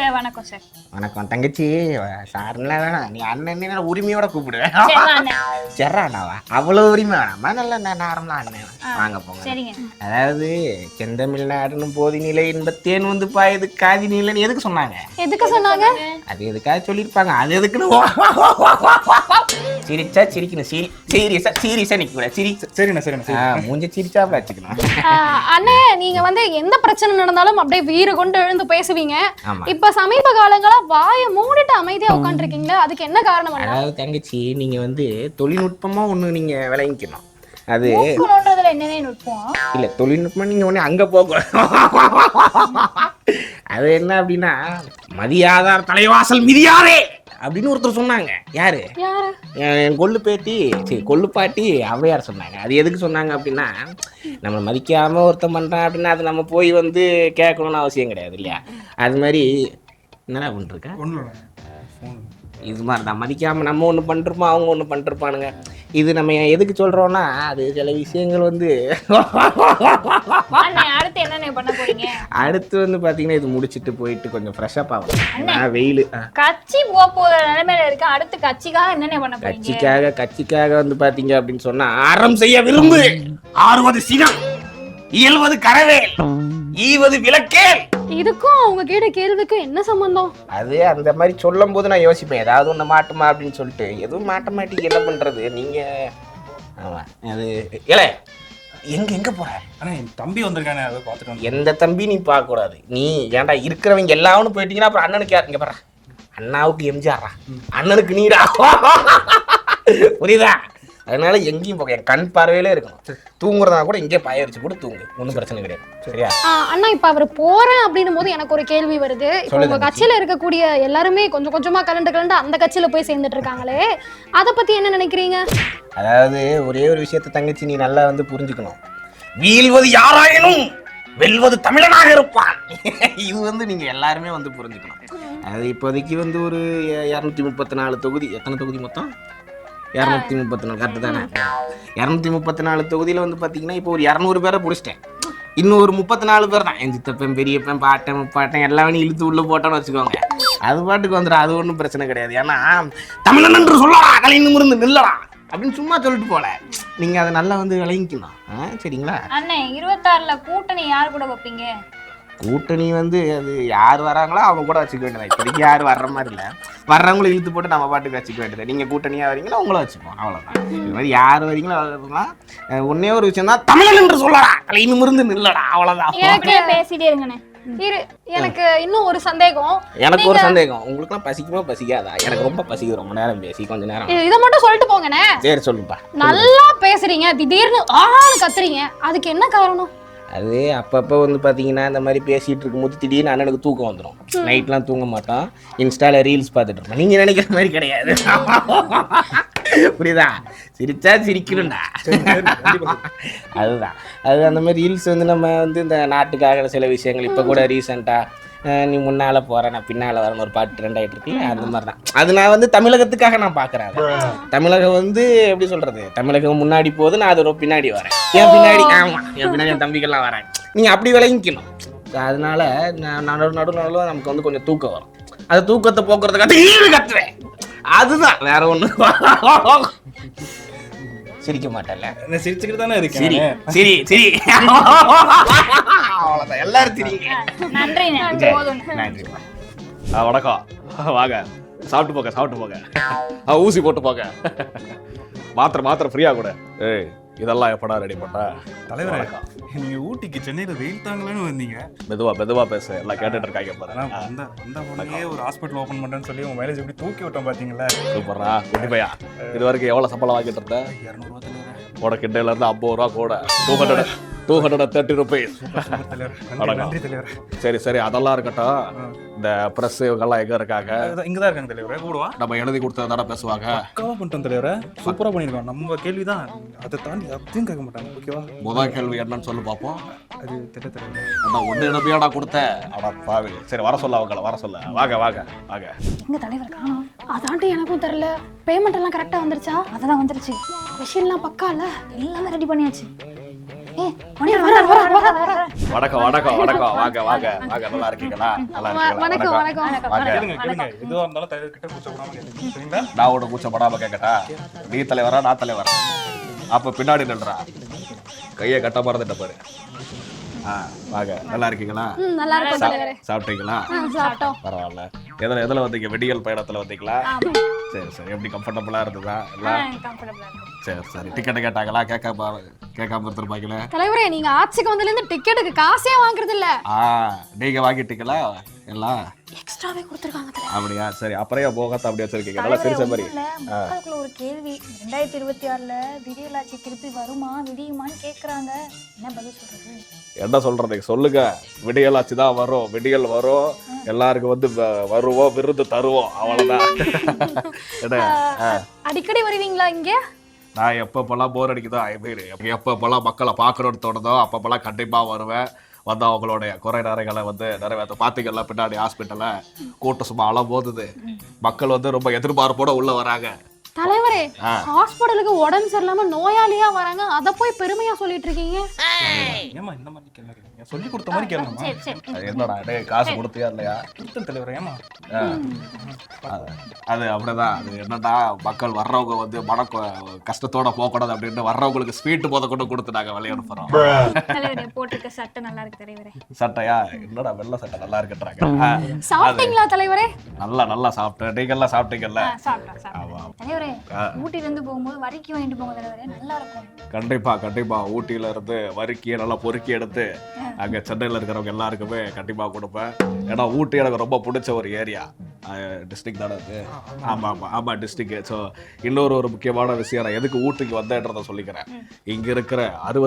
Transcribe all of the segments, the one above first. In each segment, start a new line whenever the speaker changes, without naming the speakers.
Sir வணக்கம் sir.
வணக்கம் தங்கச்சி. சார்லாம் வேணாம், நீ அண்ணன் உரிமையோட கூப்பிடுவேன். செர்றாண்ணாவா? அவ்வளோ உரிமை வேணாமா? நல்ல நார்மலா அண்ணன் வாங்க போங்க.
சரிங்க.
அதாவது செந்தமிழ்நாடுன்னு போதி நிலை இன்பத்தேன் வந்து பாயுது காதி நிலைன்னு எதுக்கு சொன்னாங்க? அது எதுக்காக சொல்லியிருப்பாங்க. அது எதுக்குன்னு சிரிச்சா சிரிக்கணும். சீரியஸா நிக்க கூடாது. சரிண்ணா மூஞ்ச சிரிச்சா வச்சுக்கணும்.
அண்ணே, நீங்க வந்து எந்த பிரச்சனை நடந்தாலும் அப்படியே வீறு கொண்டு எழுந்து பேசுவீங்க. இப்ப சமீப காலங்களா வாயை மூடிட்டு அமைதியா உட்காந்துருக்கீங்களா? அதுக்கு என்ன காரணம்?
அதாவது தங்கச்சி, நீங்க வந்து தொழில்நுட்பமா ஒண்ணு நீங்க விளங்கிக்கணும். அது
என்னென்ன நுட்பம்
இல்ல, தொழில்நுட்பம் நீங்க ஒண்ணு அங்க போக. அது என்ன அப்படின்னா, மதியாதார் தலைவாசல் மிதியாரே அப்படின்னு ஒருத்தர் சொன்னாங்க. யாரு? என் கொள்ளு பாட்டி ஔவையார் சொன்னாங்க. அது எதுக்கு சொன்னாங்க அப்படின்னா, நம்ம மதிக்காம ஒருத்தன் பண்றான் அப்படின்னா அது நம்ம போய் வந்து கேட்கணும்னு அவசியம் கிடையாது இல்லையா? அது மாதிரி என்னடா பண்ணிருக்க இது மாதிரி தான். மதிக்காம நம்ம ஒன்று பண்ணிருப்போம், அவங்க ஒன்று பண்ணிருப்பானுங்க. இது நம்ம எதுக்கு சொல்றோம்னா, அது சில விஷயங்கள் வந்து
அடுத்து என்ன பண்ண போறீங்க?
அடுத்து வந்து பாத்தீங்கன்னா, இது முடிச்சிட்டு போயிட்டு கொஞ்சம் ஃப்ரெஷ்அப் ஆகும். வெயில்
கட்சி போற நிலைமையில இருக்கு. அடுத்து கட்சிக்காக என்னென்ன பண்ண போறீங்க?
கட்சிக்காக வந்து பாத்தீங்க அப்படின்னு சொன்னா, அறம் செய்ய விரும்பு, ஆறுவது சினம், இயல்வது கரவேல், ஈவது விளக்கேல்.
இதுக்கும் அவங்க கேட்ட கேள்விக்கும் என்ன சம்பந்தம்?
அது அந்த மாதிரி சொல்லும் போது நான் யோசிப்பேன், ஏதாவது ஒண்ணு மாட்டுமா அப்படின்னு சொல்லிட்டு. எதுவும் மாட்ட மாட்டீங்க, என்ன பண்றது நீங்க? ஆமா, அது ஏலே எங்க போற?
என் தம்பி வந்திருக்கானே, அதை பார்த்துட்டு.
எந்த தம்பி நீ பார்க்க கூடாது. நீ ஏன்டா இருக்கிறவங்க எல்லாரும் போயிட்டீங்கன்னா அப்புறம் அண்ணனுக்கு யார்? இங்க பாரு, அண்ணாவுக்கு எம்ஜிஆரா, அண்ணனுக்கு நீடா. புரியுதா? அதனால எங்கேயும் போக, என் கண் பார்வையிலே இருக்கணும். தூங்குறதா கூட இங்கே பாய வச்சு கூட தூங்கு, ஒன்றும் பிரச்சனை கிடையாது. சரியா
அண்ணா? இப்ப அவர் போறேன் அப்படின்னும் போது எனக்கு ஒரு கேள்வி வருது. இப்ப உங்க கட்சியில இருக்கக்கூடிய எல்லாருமே கொஞ்சம் கொஞ்சமா கலண்டு அந்த கட்சியில போய் சேர்ந்துட்டு இருக்காங்களே, அதை பத்தி என்ன நினைக்கிறீங்க?
அதாவது ஒரே ஒரு விஷயத்த தங்கச்சி நீ நல்லா வந்து புரிஞ்சுக்கணும். வீழ்வது யாராயினும் வெல்வது தமிழனாக இருப்பான். இது வந்து நீங்க எல்லாருமே வந்து புரிஞ்சுக்கணும். அது இப்போதைக்கு வந்து ஒரு 234 தொகுதி. எத்தனை தொகுதி மொத்தம்? 234. கரெக்டு தானே? 234 தொகுதியில் வந்து பார்த்தீங்கன்னா, இப்போ ஒரு 200 பேரை பிடிச்சிட்டேன். இன்னும் ஒரு 34 பேர் தான். என் சித்தப்பன், பெரியப்பன், பாட்டன், முப்பாட்டன் எல்லாமே இழுத்து உள்ள போட்டோன்னு வச்சுக்கோங்க. அது பாட்டுக்கு வந்துடும். அது ஒன்றும் பிரச்சனை கிடையாது. ஏன்னா தமிழன் என்று சொல்லலாம், கலைஞர் இருந்து நில்லலாம் அப்படின்னு சும்மா சொல்லிட்டு போல. நீங்க அதை நல்லா வந்து விளங்கிக்கணும். சரிங்களா?
அண்ணே, 26ல கூட்டணி யார் கூட வைப்பீங்க?
கூட்டணி வந்து அது யார் வராங்களோ அவங்க கூட வச்சுக்க வேண்டியது. இப்போதைக்கு யாரும் வர்ற மாதிரி இல்லை. வர்றவங்களை இழுத்து போட்டு நம்ம பாட்டுக்கு வச்சுக்க வேண்டியது. நீங்கள் கூட்டணியாக வரீங்களோ உங்களை வச்சுப்போம், அவ்வளோதான். இது மாதிரி யார் வரீங்களோ வரலாம். ஒன்னே ஒரு விஷயம் தான், தமிழன் என்று சொல்லலாம், கலைஞர் இருந்து நில்லடா, அவ்வளோதான்.
பேசிட்டே இருங்கண்ணே.
எனக்கு இன்னும் ஒரு சந்தேகம்.
எனக்கு ஒரு சந்தேகம், உங்களுக்குலாம் பசிக்குமா பசிக்காதா? எனக்கு ரொம்ப பசிக்குது. ரொம்ப நேரம் பேசி கொஞ்ச நேரம்
இதை மட்டும் சொல்லிட்டு போங்கண்ணே.
சரி சொல்லுப்பா.
நல்லா பேசுறீங்க, திடீர்னு கத்துறீங்க, அதுக்கு என்ன காரணம்?
அது அப்பப்போ வந்து பார்த்தீங்கன்னா, இந்த மாதிரி பேசிகிட்டு இருக்கும்போது திடீர்னு அண்ணனுக்கு தூக்கம் வந்துடும். நைட்லாம் தூங்க மாட்டோம், இன்ஸ்டாவில் ரீல்ஸ் பார்த்துட்டு இருப்போம். நீங்கள் நினைக்கிற மாதிரி கிடையாது. புரியுதா? சிரிச்சா சிரிக்கணும்டா. அதுதான். அது அந்த மாதிரி ரீல்ஸ் வந்து நம்ம வந்து இந்த நாட்டுக்காக சில விஷயங்கள். இப்போ கூட ரீசெண்டாக நீ முன்னால் போகிற நான் பின்னால் வரணும் ஒரு பாட்டு ட்ரெண்ட் ஆகிட்டு இருக்குல்ல, அந்த மாதிரி தான். அது நான் வந்து தமிழகத்துக்காக நான் பார்க்குறேன். தமிழகம் வந்து எப்படி சொல்கிறது, தமிழகம் முன்னாடி போகுது, நான் அதோட பின்னாடி வரேன். என் பின்னாடி என் பின்னாடி என் தம்பிகள்லாம் வரேன். நீங்கள் அப்படி விளங்கிக்கணும். அதனால நடுவில் நமக்கு வந்து கொஞ்சம் தூக்கம் வரும். அந்த தூக்கத்தை போக்குறதுக்காக கத்துவேன். அதுதான், வேற ஒண்ணு. சிரிக்க மாட்டேன்ல,
சிரிச்சுக்கிட்டு தானே இருக்கேன்.
சரி சரி சரி, அவ்வளோதான். எல்லாரும் சிரிங்க.
நன்றி.
வணக்கம். வாங்க, சாப்பிட்டு போங்க. ஊசி போட்டு போங்க. மாத்திரை ஃப்ரீயா கூட. ஏய், இதெல்லாம் எப்படா ரெடி பண்ண?
தலைவர், நீங்க ஊட்டிக்கு சென்னையில வெயில் தாங்கலன்னு வந்தீங்க.
மெதுவா பேசு, எல்லாம் கேட்டுட்டு இருக்காங்க பாரு.
அந்த ஒரு ஹாஸ்பிட்டல் ஓபன் பண்றேன்னு சொல்லி உங்க மேலேஜ் எப்படி தூக்கி விட்டோம் பாத்தீங்களா?
சூப்பர்ரா. குட்டி பையா, இது வரைக்கும் எவ்வளவு சம்பளம் வாங்கிட்டு இருந்த?
200 ரூபாய் தலைவர்.
உட கிண்டையில இருந்து 50 ரூபா கூட. 230 rupees. சரி, அதெல்லாம் இருக்கட்டும். இந்த பிரஸ் இவங்கெல்லாம் எங்க இருக்காங்க?
இங்கதான் இருக்காங்க தலைவர். கூடவா?
நம்ம எழுதி கொடுத்ததாட பேசுவாங்க.
பக்காவா பண்ணிட்டோம் தலைவர். சூப்பரா பண்ணிருக்கோம். நம்ம கேள்விதான், அதை தாண்டி அப்படியும் கேட்க மாட்டாங்க. ஓகேவா?
முதல் கேள்வி என்னன்னு சொல்லு பாப்போம்.
அது தெரியல தலைவர்.
அதான் ஒண்ணு என்னப்பையாடா கொடுத்த? அட பாவி. சரி, வர சொல்ல அவங்கள, வர சொல்ல. வாங்க.
எங்க தலைவர் காணோம்? அதாண்டி எனக்கும் தெரியல. பேமெண்ட் எல்லாம் கரெக்டா வந்துருச்சா?
அதெல்லாம் வந்துருச்சு.
விஷயம்லாம் பக்கா இல்ல,
எல்லாமே ரெடி பண்ணியாச்சு.
வர
வணக்கம் வணக்கம் வணக்கம் வாங்க வாங்க வாங்க நல்லா இருக்கீங்களா நல்லா
வணக்கம்
இருக்கீங்களா
வணக்கம்
வாங்க
கேளுங்க கேளுங்க எதுவா இருந்தாலும் தலைவர் கிட்ட கூச்சப்படாம கேளுங்க சரிங்களா?
நான் உட கூச்சப்படாம கேட்கட்டா நீ தலைவரா நான் தலைவரா அப்ப பின்னாடி நில்றா கையை கட்ட மறந்துட்ட பாரு வாங்க நல்லா இருக்கீங்களா
நல்லா இருக்கும் தலைவரே.
சாப்பிட்டீங்களா
சாப்பிட்டோம்.
பரவாயில்ல எதுல வந்தீங்க வெடியல் பயணத்துல வந்தீங்களா சரி சரி எப்படி கம்ஃபர்டபுளா இருந்ததா எல்லாம் சரி சரி டிக்கெட் கேட்டாங்களா கேட்காம இருந்திருப்பாங்களே
தலைவரே நீங்க ஆட்சிக்கு வந்ததுல இருந்து டிக்கெட்டுக்கு காசே வாங்குறது இல்ல.
நீங்க வாங்கிட்டீங்களா எல்லாம்
எக்ஸ்ட்ராவே கொடுத்துருக்காங்க தலைவரே.
அப்படியா சரி அப்புறம் போகாத அப்படியே வச்சிருக்கீங்க நல்லா சிரிச்ச மாதிரி
மக்களுக்குள்ள ஒரு கேள்வி 2026ல விடியலாட்சி திருப்பி வருமா விடியுமான்னு கேக்குறாங்க, என்ன பதில் சொல்றது?
என்ன சொல்றது சொல்லுங்க. விடியலாச்சு தான் வரும், விடியல் வரும், எல்லாருக்கும் வந்து வருவோம், விருது தருவோம், அவ்வளவுதான்.
அடிக்கடி வருவீங்களா இங்க?
நான் எப்பப்பெல்லாம் போர் அடிக்குதோ எப்பப்பெல்லாம் மக்களை பார்க்கணும்னு தோணுதோ அப்பப்பெல்லாம் கண்டிப்பா வருவேன். வந்து அவங்களுடைய குறை நிறைகளை வந்து நிறைவேற்ற பாத்தீங்கல்ல பின்னாடி ஹாஸ்பிட்டல்ல கூட்டம் சும்மா அள போகுது. மக்கள் வந்து ரொம்ப எதிர்பார்ப்போட உள்ள வராங்க.
தலைவரே ஹாஸ்பிடலுக்கு உடம்பு சரியில்லாம நோயாளியா வராங்க, அத போய் பெருமையா சொல்லிட்டு இருக்கீங்க.
ஏமா இந்த மாதிரி கேளுங்க, சொல்லி கொடுத்த மாதிரி கேளுங்கம்மா.
அது என்னடா டேய் காசு கொடுத்தியா இல்லையா?
கொடுத்தேன் தலைவர். ஏமா
அது அப்படிதான். அது என்னன்னா மக்கள் வர்றவங்க வந்து மன கஷ்டத்தோட போகக்கூடாது அப்படின்னு வர்றவங்களுக்கு ஸ்வீட் போத கொண்டு கொடுத்து நாங்க விளையாட போறோம்.
தலைவரே போட்டுக்க சட்டை நல்லா இருக்கு தலைவரே.
சட்டையா? என்னடா வெள்ளை சட்டை நல்லா இருக்குன்றாங்க.
சாப்பிட்டீங்களா தலைவரே?
நல்லா சாப்பிட்டேன். நீங்க எல்லாம் சாப்பிட்டீங்கல்ல?
தலைவரே ஊட்டில இருந்து போகும்போது வரிக்கி வாங்கிட்டு போங்க தலைவரே, நல்லா இருக்கும்.
கண்டிப்பா ஊட்டியில இருந்து வரிக்கி நல்லா பொறுக்கி எடுத்து அங்க சென்னையில இருக்கிறவங்க எல்லாருக்குமே கண்டிப்பா கொடுப்பேன். ஏன்னா ஊட்டி எனக்கு ரொம்ப பிடிச்ச ஒரு ஏரியா. டிஸ்ட்ரிக்ட் தானே அது? ஆமா டிஸ்ட்ரிக்ட். ஸோ இன்னொரு முக்கியமான விஷயம், நான் எதுக்கு ஊட்டிக்கு வந்தேன்றதை சொல்லிக்கிறேன். இங்க இருக்கிற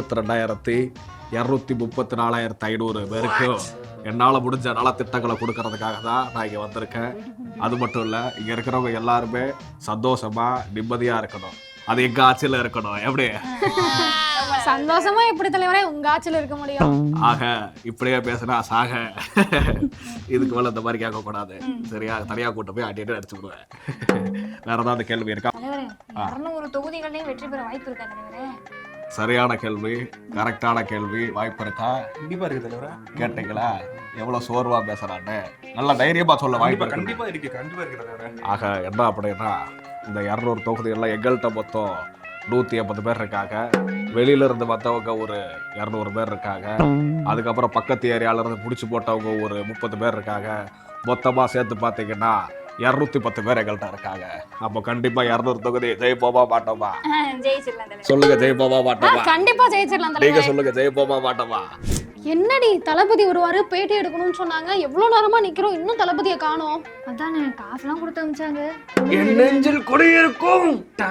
62,234,500 பேருக்கு என்னால் முடிஞ்ச நலத்திட்டங்களை கொடுக்கறதுக்காக தான் நான் இங்கே வந்திருக்கேன். அது மட்டும் இல்லை, இங்கே இருக்கிறவங்க எல்லாருமே சந்தோஷமா நிம்மதியாக இருக்கணும். அது எங்க ஆட்சியில் இருக்கணும். எப்படி
சந்தோஷமா எப்படி தலைவரே உங்க ஆட்சியில் இருக்க முடியும்?
ஆக இப்படியே பேசுனா சாக. இதுக்கு மேல இந்த மாதிரி கேட்க கூடாது சரியா? தனியா கூட்டு போய் அடிட்டு அடிச்சு விடுவேன். வேற ஏதாவது கேள்வி இருக்கா?
தலைவரே 200 தொகுதிகளையும் வெற்றி பெற வாய்ப்பு இருக்கா தலைவரே?
சரியான கேள்வி, கரெக்டான கேள்வி. வாய்ப்பு இருக்கா?
கண்டிப்பா இருக்கு தலைவரே.
கேட்டீங்களா எவ்வளவு சோர்வா பேசுறான்னு? நல்ல தைரியமா சொல்ல வாய்ப்பு
கண்டிப்பா இருக்கு தலைவரே.
ஆக என்ன அப்படின்னா, இந்த 200 தொகுதிகள்லாம் எங்கள்கிட்ட மொத்தம் 180 பேர் இருக்காங்க. வெளியில இருந்து வந்தவங்க ஒரு 200 பேர் இருக்காங்க. அதுக்கப்புறம் பக்கத்து ஏரியால இருந்து புடிச்சு போட்டவங்க ஒரு 30 பேர் இருக்காங்க. மொத்தமா சேர்த்து பாத்தீங்கன்னா 210 பேர் எங்கள்கிட்ட இருக்காங்க. அப்போ கண்டிப்பா 200 தொகுதி ஜெயிப்போமா மாட்டோமா? சொல்லுங்க, ஜெயிப்போமா மாட்டோமா?
கண்டிப்பா ஜெயிச்சிடலாம்
நீங்க
தலைவரே.
சொல்லுங்க, ஜெயிப்போமா மாட்டோமா?
என்னடி தளபதி வருவாரு பேட்டி எடுக்கணும்னு சொன்னாங்க, எவ்வளவு நேரமா நிக்கிறோம், இன்னும் தளபதியை காணோம்.
அதானே காசுலாம் கொடுத்து அனுப்பிச்சாங்க.
என் நெஞ்சில் குடியிருக்கும்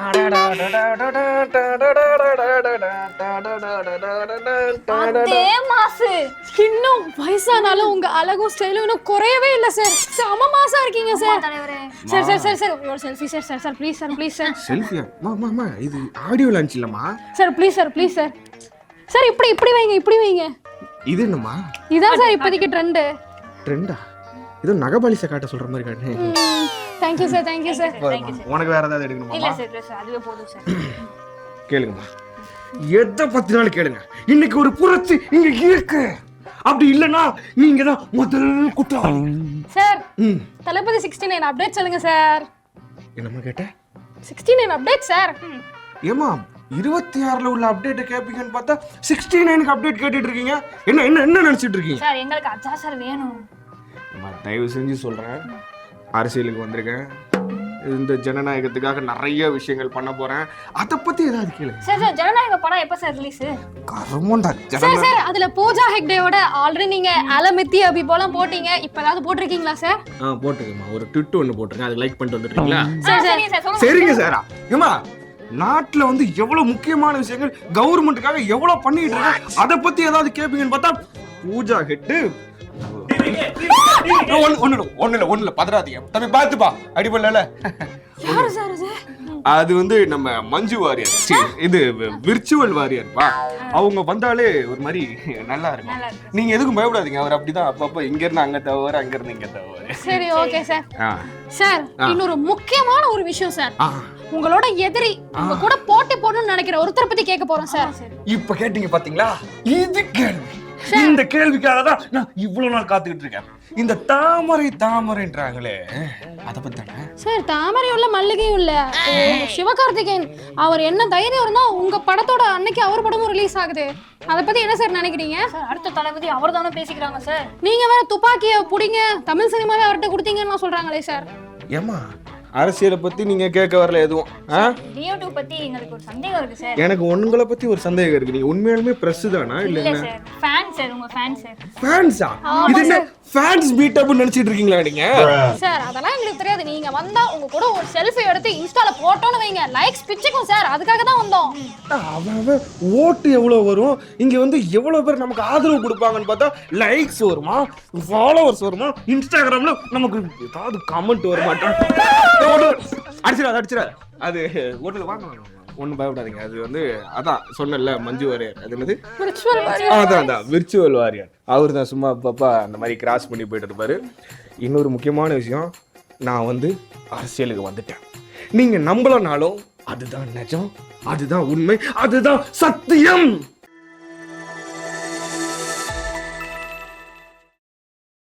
அதே மாசு.
இன்னும் வயசானாலும் உங்க அழகும் ஸ்டைலும் இன்னும் குறையவே இல்ல சார். செம மாசா இருக்கீங்க சார்.
தலைவரே
சார் சார் சார் சார் ஒரு selfie sir. Sir sir please sir, please sir.
செல்ஃபியா? மாமா இது ஆடியோ லான்ச் இல்லம்மா.
Sir please sir, please sir. Sir இப்படி வைங்க, இப்படி வைங்க.
இது என்னம்மா?
இதான் சார் இப்போதைக்கு ட்ரெண்டா?
இது நகபாலிச காட்ட சொல்ற மாதிரி காட்டு.
Thank you sir, thank you sir.
உனக்கு வேற ஏதாவது எடுக்கணுமா?
இல்ல சார் அதுவே போதும் சார்.
கேளுங்கம்மா, எதை பத்தினாலும் கேளுங்க. இன்னைக்கு ஒரு புரட்சி இங்க இருக்கு. அப்படி இல்லனா நீங்க தான் முதல் குற்றவாளி.
சார் தளபதி 69 அப்டேட் சொல்லுங்க சார்.
என்னம்மா கேட்ட?
69 அப்டேட் சார்.
ஏமா 26ல உள்ள அப்டேட் கேப்பீங்கன்னு பார்த்தா 69க்கு அப்டேட் கேட்டுட்டு இருக்கீங்க. என்ன நினைச்சிட்டு இருக்கீங்க?
சார் எங்களுக்கு அச்சா சார் வேணும்.
தயவு செஞ்சு சொல்றேன், அரசியலுக்கு வந்திருக்கேன். இந்த ஜனநாயகத்துக்காக நிறைய விஷயங்கள் பண்ண போறேன். அத பத்தி ஏதாவது கேளுங்க.
சார் ஜனநாயக படம் எப்ப சார் ரிலீஸ்?
கர்மண்டா
சார். சார் அதுல பூஜா ஹெக்டேவோட ஆல்ரெடி நீங்க அலமித்தி அபி போலாம் போட்டீங்க, இப்ப ஏதாவது போட்டிருக்கீங்களா சார்?
போட்டுக்கமா, ஒரு ட்விட் ஒன்னு போட்டுருங்க, அது லைக் பண்ணிட்டு வந்துட்டீங்களா?
சார்
சரிங்க சார். ஏமா நாட்டுல வந்து எவ்வளவு முக்கியமான விஷயங்கள் கவர்மெண்ட்டுக்காக எவ்வளவு பண்ணிட்டு இருக்காங்க, அத பத்தி ஏதாவது கேப்பீங்கன்னு பார்த்தா பூஜா ஹெட் ஒண்ணுல பதறாதீங்க தம்பி, பாத்துப்பா அடிபடல. அது வந்து நம்ம மஞ்சு வாரியர், இது விர்ச்சுவல் வாரியர்ப்பா. அவங்க வந்தாலே ஒரு மாதிரி நல்லா இருக்கும். நீங்க எதுக்கும் பயப்படாதீங்க, அவர் அப்படிதான் அப்பப்ப இங்க இருந்து அங்க தவறு, அங்க இருந்து இங்க தவறு.
சரி ஓகே சார். சார் இன்னொரு முக்கியமான ஒரு விஷயம் சார், உங்களோட எதிரி உங்க கூட போட்டி போடணும்னு நினைக்கிற ஒருத்தரை பத்தி கேட்க போறோம் சார்.
இப்ப கேட்டீங்க பாத்தீங்களா? இது கேள்வி
இந்த கேள்விக்காக தான் நான் இவ்வளவு நாள் காத்துக்கிட்டு இருக்கேன். இந்த தாமரைன்றாங்களே அதை பத்தி தானே
சார்? தாமரையும் இல்ல மல்லிகையும் இல்ல, சிவகார்த்திகேயன் அவர் என்ன தைரியம் இருந்தா உங்க படத்தோட அன்னைக்கு அவர் படமும் ரிலீஸ் ஆகுது. அதை பத்தி என்ன சார் நினைக்கிறீங்க?
சார் அடுத்த தளபதி அவர் தானே பேசிக்கிறாங்க சார்.
நீங்க வேற துப்பாக்கிய புடிங்க தமிழ் சினிமாவே அவர்கிட்ட கொடுத்தீங்கன்னு சொல்றாங்களே சார்.
ஏமா அரசியலை பத்தி நீங்க கேட்க வரல எதுவும்?
லியோ 2 பத்தி எங்களுக்கு ஒரு சந்தேகம் இருக்கு சார்.
எனக்கு உங்களை பத்தி ஒரு சந்தேகம் இருக்கு. நீங்க உண்மையாலுமே பிரஸ் தானா இல்ல
இல்ல சார், ஃபேன் சார், உங்க ஃபேன் சார்.
ஃபேன்ஸா? இது என்ன ஃபேன்ஸ் பீட் அப் நினைச்சிட்டு இருக்கீங்களா நீங்க?
சார் அதெல்லாம் எங்களுக்கு தெரியாது. நீங்க வந்தா உங்க கூட ஒரு செல்ஃபி எடுத்து இன்ஸ்டால போட்டோன்னு வைங்க, லைக்ஸ் பிச்சுக்கும் சார். அதுக்காக தான் வந்தோம்.
அவன் ஓட்டு எவ்வளவு வரும், இங்க வந்து எவ்வளவு பேர் நமக்கு ஆதரவு கொடுப்பாங்கன்னு பார்த்தா லைக்ஸ் வருமா, ஃபாலோவர்ஸ் வருமா, இன்ஸ்டாகிராம்ல நமக்கு ஏதாவது கமெண்ட் வர மாட்டோம். அடிச்சிடாது அது ஓட்டுல வாங்க, ஒன்றும் பயப்படாதீங்க. அது வந்து அதான் சொன்னல மஞ்சு வாரியர், அது என்னது அதான் விர்ச்சுவல் வாரியர். அவர் தான் சும்மா பாப்பா அந்த மாதிரி கிராஸ் பண்ணி போயிட்டு இருப்பாரு. இன்னொரு முக்கியமான விஷயம், நான் வந்து அரசியலுக்கு வந்துட்டேன். நீங்க நம்பலனாலும் அதுதான் நிஜம், அதுதான் உண்மை, அதுதான் சத்தியம்.